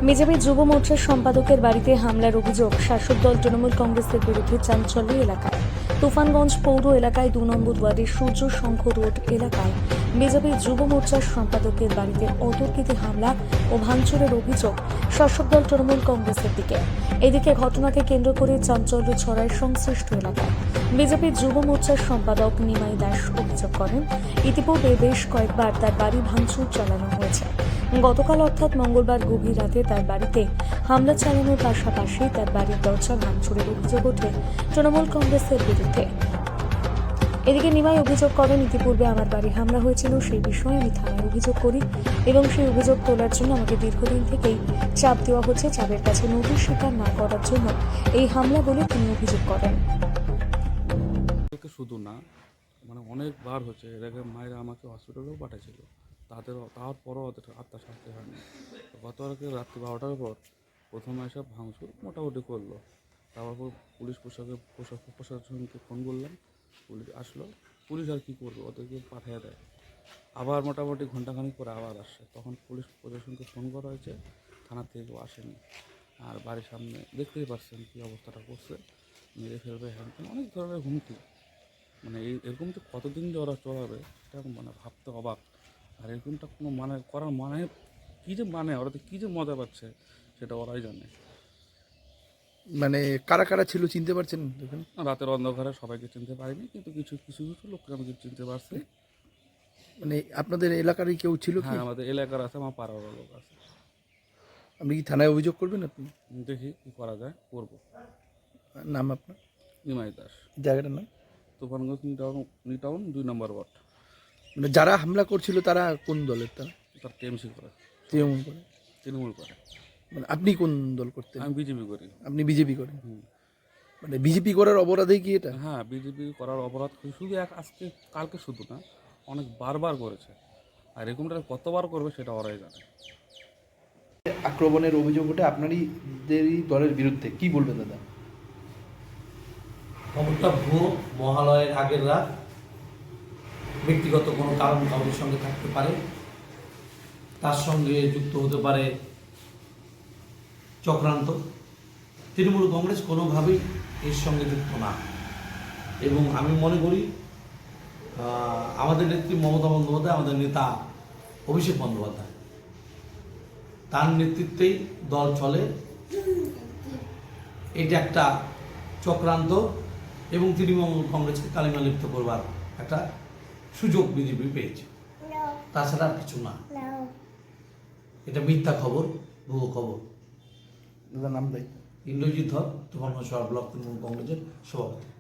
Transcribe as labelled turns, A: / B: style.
A: BJP যুব মোর্চার সম্পাদকের বাড়িতে হামলার অভিযোগ শাসক দল তৃণমূল কংগ্রেসের বিরুদ্ধে চাঞ্চল্য এলাকায়। তুফানগঞ্জ পৌর এলাকায় 2 নম্বর ওয়ার্ডের সূর্য সংঘ রোড এলাকায় বিজেপি যুব মোর্চার সম্পাদকের বাড়িতে অতর্কিতে হামলা ও ভাঙচুরের অভিযোগ শাসক দল তৃণমূল কংগ্রেসের দিকে। এদিকে ঘটনাকে কেন্দ্র করে চাঞ্চল্য ছড়ায় সংশ্লিষ্ট এলাকায়। বিজেপি যুব মোর্চার সম্পাদক নিমাই দাস অভিযোগ করেন, ইতিপূর্বে বেশ কয়েকবার তার বাড়ি ভাঙচুর চালানো হয়েছে। গতকাল অর্থাৎ মঙ্গলবার গভীর রাতে তার বাড়িতে হামলা চালানোর পাশাপাশি তার বাড়ির দরজা ভাঙচুরের অভিযোগ ওঠে তৃণমূল কংগ্রেসের বিরুদ্ধে। এদিকে নিমাই অভিযোগ করেন, ইতিপূর্বে আমার বাড়ি হামলা হয়েছিল, সেই বিষয়ে আমি থানায় অভিযোগ করি এবং সেই অভিযোগ তোলার জন্য আমাকে দীর্ঘদিন থেকেই চাপ দেওয়া হচ্ছে। চাপের কাছে নোটিশ স্বীকার না করার জন্য এই হামলা বলে তিনি অভিযোগ করেন।
B: শুধু না, মানে অনেকবার হচ্ছে। এর আগে মায়েরা আমাকে হসপিটালেও পাঠিয়েছিল, তারপরও ওদের আত্মা শান্তি হয়নি। গতকালকে রাত্রি 12টার পর প্রথমে এসব ভাঙচুর মোটামুটি করলো। তারপর পুলিশ প্রশাসনকে ফোন করলাম, পুলিশ আসলো। পুলিশ আর কী করবে, ওদেরকে পাঠিয়ে দেয়। আবার মোটামুটি ঘন্টাখানিক পরে আবার আসে, তখন পুলিশ প্রশাসনকে ফোন করা হয়েছে, থানার থেকে কেউ আসেনি। আর বাড়ির সামনে দেখতেই পাচ্ছেন কী অবস্থাটা করছে, মেরে ফেলবে, হ্যান অনেক ধরনের হুমকি। মানে এরকম তো কতদিন যে ওরা চলাবে সেটা মানে ভাবতে অবাক। আর এরকমটা কোনো মানে করার মানে কী যে মানে ওরা তো কী যে মজা পাচ্ছে সেটা ওরাই জানে।
C: মানে কারা কারা ছিল চিনতে পারছেন? দেখুন,
B: রাতের অন্ধকারে সবাইকে চিনতে পারিনি, কিন্তু কিছু কিছু কিছু লোককে আমি চিনতে পারছি।
C: মানে আপনাদের এলাকারই কেউ ছিল কি?
B: হ্যাঁ, আমাদের এলাকার আছে, আমার পাড়ার লোক আছে।
C: আপনি কি থানায় অভিযোগ করবেন? আপনি
B: দেখি কী করা যায়, করবো।
C: নাম আপনার?
B: নিমাই দাস,
C: জায়গাটার নাম?
B: Tufanganj New Town 2 number ward.
C: মানে যারা হামলা করছিল তারা কোন দলের? তারা
B: তার টিএমসি করে,
C: তৃণমূল করে?
B: তৃণমূল করে।
C: মানে আপনি কোন দল করতেন?
B: আমি বিজেপি করি।
C: আপনি বিজেপি করেন? মানে বিজেপি করার অপরাধে কি এটা?
B: হ্যাঁ, বিজেপি করার অপরাধ শুধু আজকে কালকে শুধু না, অনেক বারবার করেছে। আর এরকমটা কতবার করবে সেটা ওরাই জানে।
C: আক্রমণের অভিযোগ ওঠে আপনারই দলের বিরুদ্ধে, কি বলবেন দাদা?
D: খবরটা ভুয়ো। মহালয়ের আগের রাত, ব্যক্তিগত কোনো কারণ কারোর সঙ্গে থাকতে পারে, তার সঙ্গে যুক্ত হতে পারে চক্রান্ত। তৃণমূল কংগ্রেস কোনোভাবেই এর সঙ্গে যুক্ত না, এবং আমি মনে করি আমাদের নেত্রী মমতা বন্দ্যোপাধ্যায়, আমাদের নেতা অভিষেক বন্দ্যোপাধ্যায়, তার নেতৃত্বেই দল চলে। এটা একটা চক্রান্ত এবং তৃণমূল কংগ্রেসকে কালিমা লিপ্ত করবার একটা সুযোগ বিজেপি পেয়েছে, তাছাড়া আর কিছু না। এটা মিথ্যা খবর, ভুয়ো খবর।
C: দাদা নাম দেয়?
D: ইন্দ্রজিৎ ধর, তুফানগঞ্জ ব্লক তৃণমূল কংগ্রেসের সভাপতি।